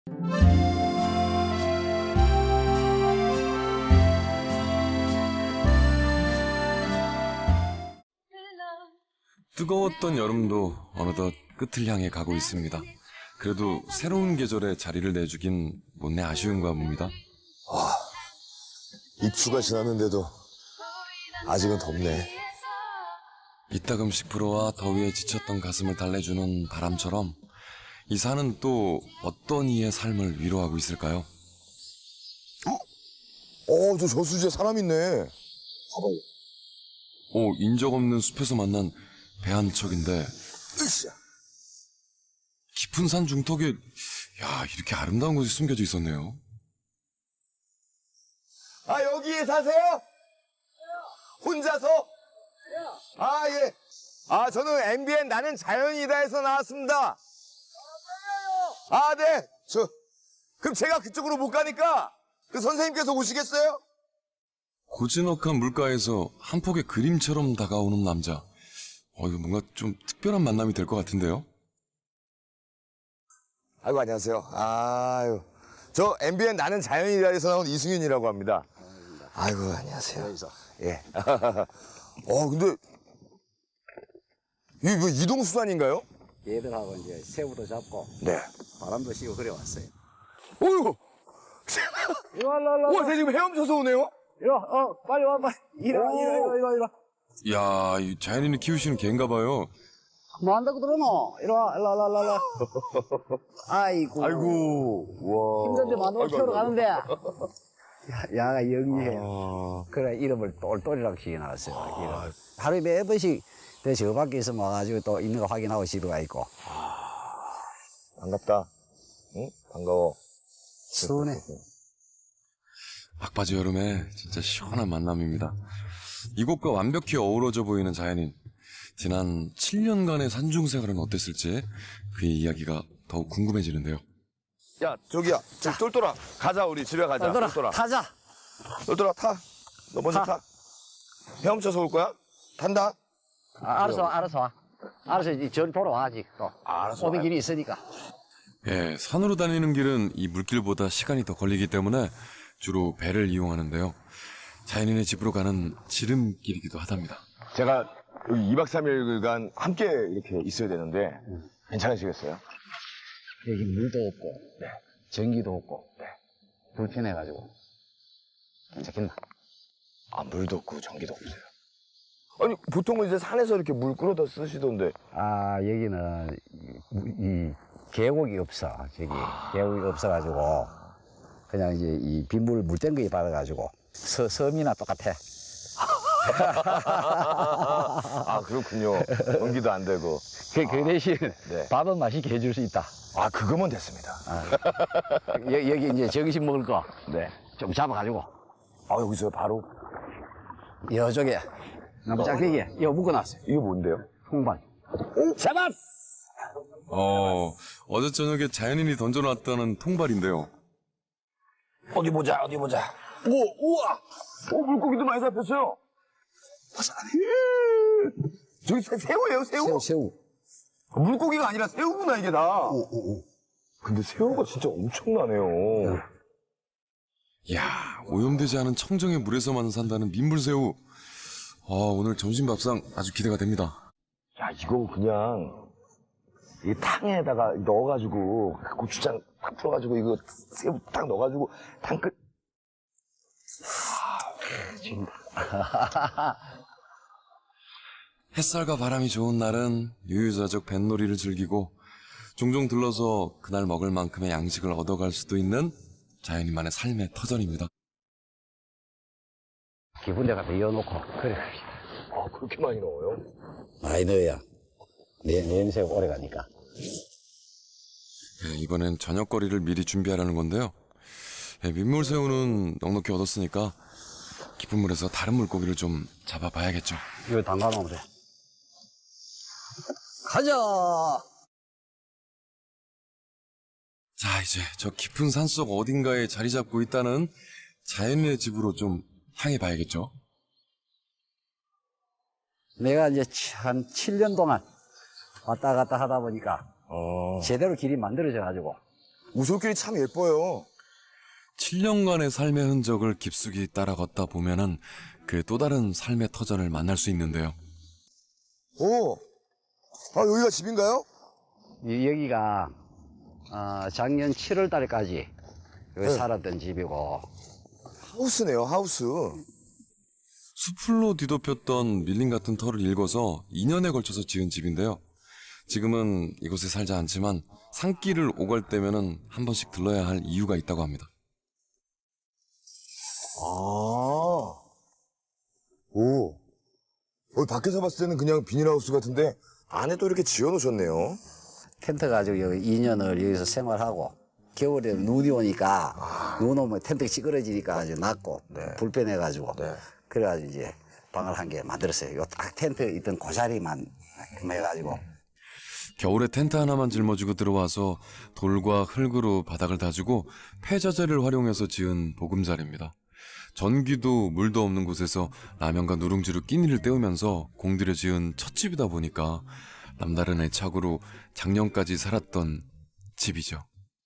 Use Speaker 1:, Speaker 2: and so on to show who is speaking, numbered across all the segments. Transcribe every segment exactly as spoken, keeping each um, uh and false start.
Speaker 1: 뜨거웠던 여름도 어느덧 끝을 향해 가고 있습니다. 그래도 새로운 계절에 자리를 내주긴 못내 아쉬운가 봅니다.
Speaker 2: 와, 입추가 지났는데도 아직은 덥네.
Speaker 1: 이따금씩 불어와 더위에 지쳤던 가슴을 달래주는 바람처럼 이 산은 또 어떤 이의 삶을 위로하고 있을까요?
Speaker 2: 어, 저 저수지에 사람 있네. 봐봐요.
Speaker 1: 오, 인적 없는 숲에서 만난 배 한 척인데
Speaker 2: 으쌰.
Speaker 1: 깊은 산 중턱에 야 이렇게 아름다운 곳이 숨겨져 있었네요.
Speaker 2: 아, 여기에 사세요? 혼자서? 아, 예. 아, 저는 엠비엔 나는 자연이다에서 나왔습니다. 아, 네. 저, 그럼 제가 그쪽으로 못 가니까 그 선생님께서 오시겠어요?
Speaker 1: 고즈넉한 물가에서 한 폭의 그림처럼 다가오는 남자. 어, 이거 뭔가 좀 특별한 만남이 될 것 같은데요?
Speaker 2: 아이고, 안녕하세요. 아유. 저 엠비엔 나는 자연이다에서 나온 이승윤이라고 합니다. 아이고, 안녕하세요. 예. 어, 근데 이게 뭐 이동수단인가요?
Speaker 3: 얘들하고 이제 새우도 잡고
Speaker 2: 네.
Speaker 3: 바람도 씌고 그래 왔어요.
Speaker 2: 어이구.
Speaker 3: 이리 와, 일로, 일로,
Speaker 2: 와, 쟤 지금 헤엄쳐서 오네요?
Speaker 3: 이리 와, 어, 빨리 와, 빨리. 이리 와, 이리 와, 이리 와, 이리 와, 이리 와.
Speaker 1: 이야, 이 자연인이 키우시는 개인가 봐요.
Speaker 3: 뭐 한다고 들어노? 이리 와, 일로 와, 일로 와, 일로 와. 아이고.
Speaker 2: 아이고, 와.
Speaker 3: 힘든데 만원
Speaker 2: 아이고,
Speaker 3: 채우러
Speaker 2: 아이고.
Speaker 3: 가는데. 야, 야가 영리해.
Speaker 2: 아,
Speaker 3: 그래, 이름을 똘똘이라고 지어놨어요. 이름. 하루에 몇 번씩 저 밖에 있으면 와가지고 또 있는 거 확인하고 집에 가 있고.
Speaker 2: 반갑다. 응? 반가워.
Speaker 3: 순해.
Speaker 1: 막바지 여름에 진짜 시원한 만남입니다. 이곳과 완벽히 어우러져 보이는 자연인. 지난 칠 년간의 산중 생활은 어땠을지 그의 이야기가 더욱 궁금해지는데요.
Speaker 2: 야, 저기야. 저 똘똘아. 가자, 우리 집에 가자.
Speaker 3: 똘똘아,
Speaker 2: 똘똘아.
Speaker 3: 타자.
Speaker 2: 똘똘아, 타. 너 먼저
Speaker 3: 타.
Speaker 2: 타. 헤엄쳐서 올 거야? 탄다?
Speaker 3: 아, 알았어, 알았어 와. 알았어, 이제 전 돌아와, 아직 또.
Speaker 2: 아, 알았어.
Speaker 3: 오는 길이 있으니까.
Speaker 1: 예, 산으로 다니는 길은 이 물길보다 시간이 더 걸리기 때문에 주로 배를 이용하는데요. 자연인의 집으로 가는 지름길이기도 하답니다.
Speaker 2: 제가 여기 이 박 삼 일간 함께 이렇게 있어야 되는데 괜찮으시겠어요?
Speaker 3: 여기 물도 없고, 네. 전기도 없고, 네. 불편해가지고. 괜찮겠나?
Speaker 2: 아, 물도 없고 전기도 없어요. 아니, 보통은 이제 산에서 이렇게 물 끌어다 쓰시던데.
Speaker 3: 아, 여기는 이, 이 계곡이 없어. 저기 계곡이 없어가지고 그냥 이제 이 빗물 물땡거기 받아가지고 서, 섬이나 똑같아.
Speaker 2: 아, 그렇군요. 연기도 안 되고.
Speaker 3: 그, 그 대신
Speaker 2: 네.
Speaker 3: 밥은 맛있게 해줄 수 있다.
Speaker 2: 아, 그거면 됐습니다.
Speaker 3: 아, 여, 여기 이제 정식 먹을 거 좀
Speaker 2: 네.
Speaker 3: 잡아가지고
Speaker 2: 아, 여기서 바로.
Speaker 3: 이쪽에 나무 짝대기에 이거 묶어놨어요.
Speaker 2: 이게 뭔데요?
Speaker 3: 홍반. 잡았어!
Speaker 1: 어, 어제 저녁에 자연인이 던져놨다는 통발인데요.
Speaker 2: 어디 보자, 어디 보자. 오, 우와! 오, 물고기도 많이 잡혔어요. 보자. 저기 새, 새우예요, 새우?
Speaker 3: 새우, 새우.
Speaker 2: 물고기가 아니라 새우구나, 이게 다.
Speaker 3: 오, 오, 오.
Speaker 2: 근데 새우가 진짜 엄청나네요.
Speaker 1: 이야, 오염되지 않은 청정의 물에서만 산다는 민물새우. 아, 오늘 점심 밥상 아주 기대가 됩니다.
Speaker 2: 야, 이거 그냥 이 탕에다가 넣어가지고 고추장 탁 풀어가지고 이거 새우 딱 넣어가지고 탕 끓.
Speaker 1: 햇살과 바람이 좋은 날은 유유자적 뱃놀이를 즐기고 종종 들러서 그날 먹을 만큼의 양식을 얻어갈 수도 있는 자연인만의 삶의 터전입니다.
Speaker 3: 기분 내가 더 이어놓고 그래.
Speaker 2: 아, 그렇게 많이 넣어요?
Speaker 3: 많이 넣어야 내 냄새가 오래 가니까.
Speaker 1: 예, 이번엔 저녁거리를 미리 준비하려는 건데요. 예, 민물새우는 넉넉히 얻었으니까 깊은 물에서 다른 물고기를 좀 잡아봐야겠죠.
Speaker 3: 이거 담가놓으면 돼. 가자!
Speaker 1: 자, 이제 저 깊은 산속 어딘가에 자리 잡고 있다는 자연인의 집으로 좀 향해 봐야겠죠.
Speaker 3: 내가 이제 한 칠 년 동안 왔다 갔다 하다 보니까
Speaker 2: 어.
Speaker 3: 제대로 길이 만들어져 가지고
Speaker 2: 우솔길이 참 예뻐요.
Speaker 1: 칠 년간의 삶의 흔적을 깊숙이 따라 걷다 보면은 그 또 다른 삶의 터전을 만날 수 있는데요.
Speaker 2: 오, 아 여기가 집인가요?
Speaker 3: 이- 여기가 어, 작년 칠월 달까지 여기
Speaker 2: 네.
Speaker 3: 살았던 집이고
Speaker 2: 하우스네요, 하우스.
Speaker 1: 수풀로 뒤덮였던 밀림 같은 터를 일궈서 이 년에 걸쳐서 지은 집인데요. 지금은 이곳에 살지 않지만 산길을 오갈 때면은 한 번씩 들러야 할 이유가 있다고 합니다.
Speaker 2: 아, 오, 여기 밖에서 봤을 때는 그냥 비닐하우스 같은데 안에 또 이렇게 지어놓으셨네요.
Speaker 3: 텐트 가지고 여기 이 년을 여기서 생활하고 겨울에 눈이 오니까 눈 오면 텐트 찌그러지니까 아주 낫고
Speaker 2: 네.
Speaker 3: 불편해가지고
Speaker 2: 네.
Speaker 3: 그래가지고 이제 방을 한 개 만들었어요. 요 딱 텐트 있던 그 자리만 해가지고
Speaker 1: 겨울에 텐트 하나만 짊어지고 들어와서 돌과 흙으로 바닥을 다지고 폐자재를 활용해서 지은 보금자리입니다. 전기도 물도 없는 곳에서 라면과 누룽지로 끼니를 때우면서 공들여 지은 첫 집이다 보니까 남다른 애착으로 작년까지 살았던 집이죠.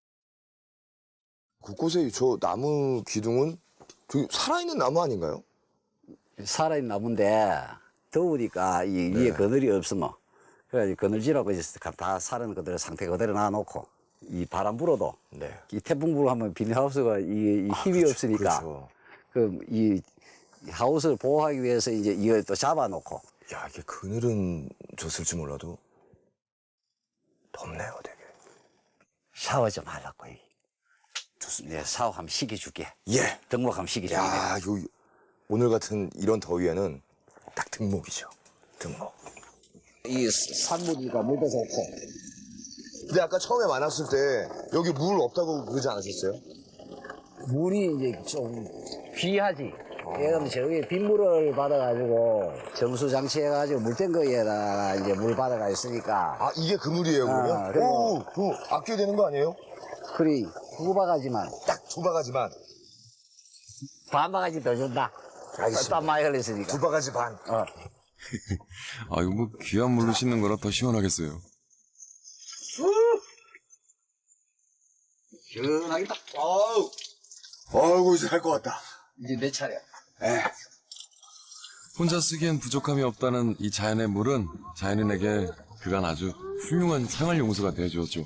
Speaker 2: 곳곳에 저 나무 기둥은 저기 살아있는 나무 아닌가요?
Speaker 3: 살아있는 나무인데 더우니까 이 위에 그늘이 없으면 그래가지고 그늘지라고 이제 다 살은 그대로 상태 그대로 놔놓고 이 바람 불어도
Speaker 2: 네.
Speaker 3: 이 태풍 불어하면 비닐하우스가 이, 이 힘이
Speaker 2: 그렇죠,
Speaker 3: 없으니까
Speaker 2: 그렇죠.
Speaker 3: 그 이 하우스를 보호하기 위해서 이제 이걸 또 잡아놓고
Speaker 2: 야, 이게 그늘은 졌을지 몰라도 덥네요, 되게.
Speaker 3: 샤워 좀 하려고 여기. 좋습니다. 네, 샤워 한번 시켜줄게.
Speaker 2: 예.
Speaker 3: 등록 한번 시켜줄게.
Speaker 2: 야, 요 오늘 같은 이런 더위에는 딱 등목이죠. 등목.
Speaker 3: 이 산물이가 물도 좋고.
Speaker 2: 근데 아까 처음에 만났을 때 여기 물 없다고 그러지 않으셨어요?
Speaker 3: 물이 이제 좀 귀하지. 얘는 저기 빗물을 받아가지고 정수 장치해가지고 물탱거에다가 이제 물 받아가 있으니까.
Speaker 2: 아, 이게 그 물이에요, 그러면?
Speaker 3: 아, 그리고-
Speaker 2: 오, 그거 아껴야 되는 거 아니에요?
Speaker 3: 그리 두 바가지만
Speaker 2: 딱 두 바가지만.
Speaker 3: 반 바가지 더 준다.
Speaker 2: 알겠습니다.
Speaker 3: 땀 많이 흘렸으니까.
Speaker 2: 두 바가지 반.
Speaker 3: 어.
Speaker 1: 아, 이거 뭐 귀한 물로 씻는 거라 더 시원하겠어요.
Speaker 3: 시원하겠다.
Speaker 2: 아우. 아이고, 이제 할 것 같다.
Speaker 3: 이제 내 차례야.
Speaker 1: 혼자 쓰기엔 부족함이 없다는 이 자연의 물은 자연인에게 그간 아주 훌륭한 생활용수가 되어주었죠.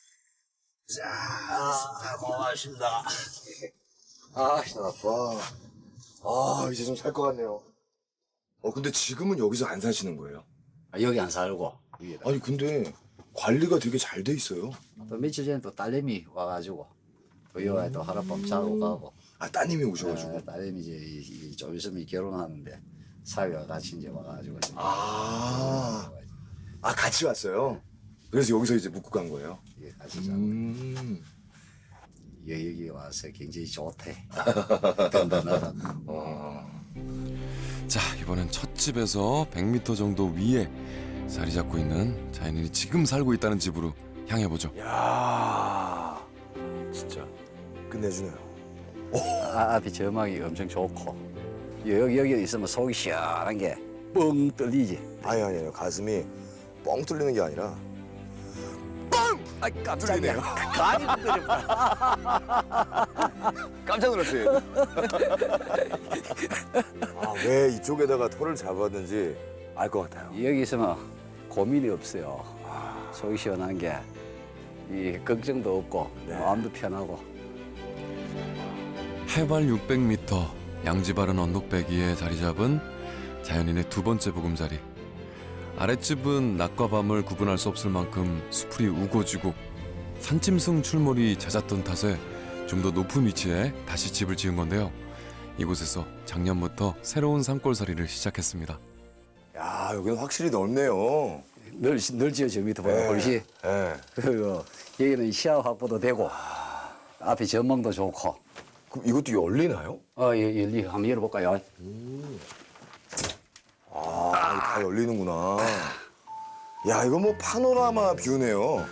Speaker 2: 아, 고맙습니다. 아, 시원하다. 아, 이제 좀 살 것 같네요. 어, 근데 지금은 여기서 안 사시는 거예요?
Speaker 3: 아, 여기 안 살고 위에다.
Speaker 2: 아니, 근데 관리가 되게 잘 돼 있어요.
Speaker 3: 또 며칠 전에 또 딸내미 와가지고 또 여기 또 하룻밤 자고 가고.
Speaker 2: 아, 따님이 오셔가지고.
Speaker 3: 아, 딸내미 이제 이- 이 좀 있으면 결혼하는데 사위와 같이 이제 와가지고. 이제
Speaker 2: 아, 아, 같이 왔어요? 그래서 여기서 이제 묵고 간 거예요?
Speaker 3: 이게 같이 자고.
Speaker 2: 음.
Speaker 3: 여기 여기 와서 굉장히 좋대. 든든하다.
Speaker 2: 어.
Speaker 1: 자, 이번엔 첫 집에서 백 미터 정도 위에 자리 잡고 있는 자연인이 지금 살고 있다는 집으로 향해보죠.
Speaker 2: 야, 진짜 끝내주네요.
Speaker 3: 아, 앞이 저막이 엄청 좋고 여기 여기 있으면 속이 시원한 게 뻥 뚫리지.
Speaker 2: 아니, 아니, 아니, 가슴이 뻥 뚫리는 게 아니라 뻥!
Speaker 3: 아 깜짝이야. 간이 흔들려.
Speaker 2: 깜짝 놀랐어요. 아, 왜 이쪽에다가 털을 잡았는지 알 것 같아요.
Speaker 3: 여기 있으면 고민이 없어요. 속이 시원한 게 이 걱정도 없고 마음도 편하고.
Speaker 1: 해발 육백 미터 양지바른 언덕배기에 자리 잡은 자연인의 두 번째 보금자리. 아랫집은 낮과 밤을 구분할 수 없을 만큼 수풀이 우거지고 산짐승 출몰이 잦았던 탓에 좀 더 높은 위치에 다시 집을 지은 건데요. 이곳에서 작년부터 새로운 산골살이를 시작했습니다.
Speaker 2: 야, 여기는 확실히 넓네요.
Speaker 3: 늘, 늘 지어 저 밑에보다
Speaker 2: 네.
Speaker 3: 훨씬.
Speaker 2: 예.
Speaker 3: 그리고 여기는 시야 확보도 되고 앞에 전망도 좋고.
Speaker 2: 그럼 이것도 열리나요?
Speaker 3: 어, 예, 열리 한번 열어볼까요?
Speaker 2: 아, 다 열리는구나. 야, 이거 뭐 파노라마 뷰네요.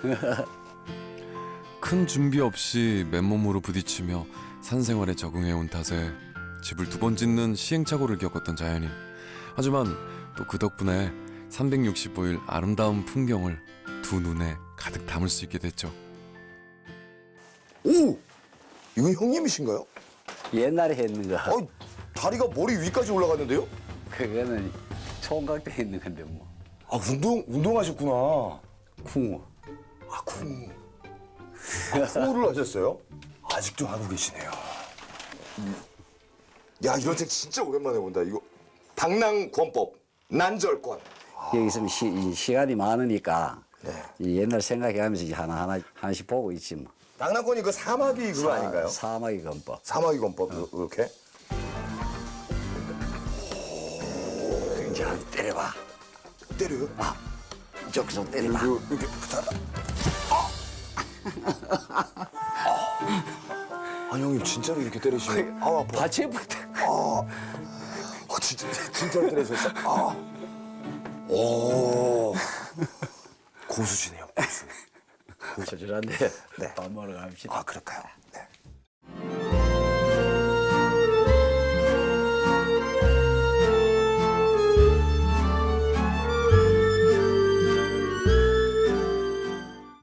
Speaker 1: 큰 준비 없이 맨몸으로 부딪히며 산생활에 적응해온 탓에 집을 두 번 짓는 시행착오를 겪었던 자연인. 하지만 또 그 덕분에 삼백육십오 일 아름다운 풍경을 두 눈에 가득 담을 수 있게 됐죠.
Speaker 2: 오! 이건 형님이신가요?
Speaker 3: 옛날에 했는 거.
Speaker 2: 어, 다리가 머리 위까지 올라갔는데요?
Speaker 3: 그거는 총각 때 했는 건데 뭐.
Speaker 2: 아, 운동, 운동하셨구나.
Speaker 3: 쿵어.
Speaker 2: 아, 쿵. 아, 쿵우를 하셨어요? 아직도 하고 계시네요. 야, 이런 책 진짜 오랜만에 본다. 이거 당랑권법, 난절권.
Speaker 3: 여기서 시, 이 시간이 많으니까
Speaker 2: 네.
Speaker 3: 이 옛날 생각해가면서 이제 하나하나 하나씩 보고 있지 뭐.
Speaker 2: 당랑권이 그 사마귀 그거 아닌가요?
Speaker 3: 사마귀 건법.
Speaker 2: 사마귀 권법, 이렇게.
Speaker 3: 이제 한 때려봐.
Speaker 2: 때려요?
Speaker 3: 아, 저기서 때리나.
Speaker 2: 이거 이렇게 붙하다. 아! 아, 형님 진짜로 이렇게 때리시네. 아, 아파.
Speaker 3: 받침부터.
Speaker 2: 아, 아, 진짜, 진짜로 때리셨어. 아. 오. 고수시네요, 고수.
Speaker 3: 저절한데
Speaker 2: 네.
Speaker 3: 밥 먹으러 갑시다.
Speaker 2: 아, 그럴까요?